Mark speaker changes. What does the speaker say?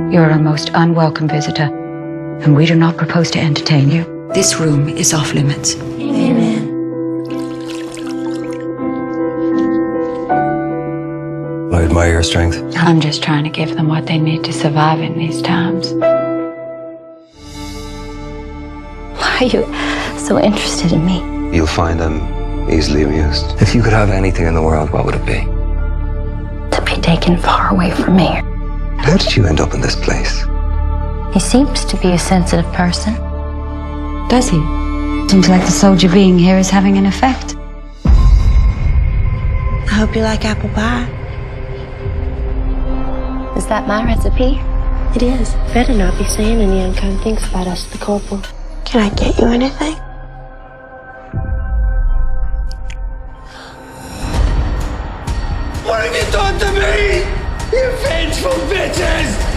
Speaker 1: You are a most unwelcome visitor, and we do not propose to entertain you. This room is off limits.
Speaker 2: Amen.
Speaker 3: I admire your strength.
Speaker 1: I'm just trying to give them what they need to survive in these times.
Speaker 2: Why are you so interested in me?
Speaker 3: You'll find them easily amused. If you could have anything in the world, what would it be?
Speaker 2: To be taken far away from me.
Speaker 3: How did you end up in this place?
Speaker 2: He seems to be a sensitive person.
Speaker 1: Does he? Seems like the soldier being here is having an effect.
Speaker 4: I hope you like apple pie.
Speaker 2: Is that my recipe?
Speaker 4: It is. Better not be saying any unkind things about us to the corporal. Can I get you anything?
Speaker 5: What have you done to me? You vengeful bitches!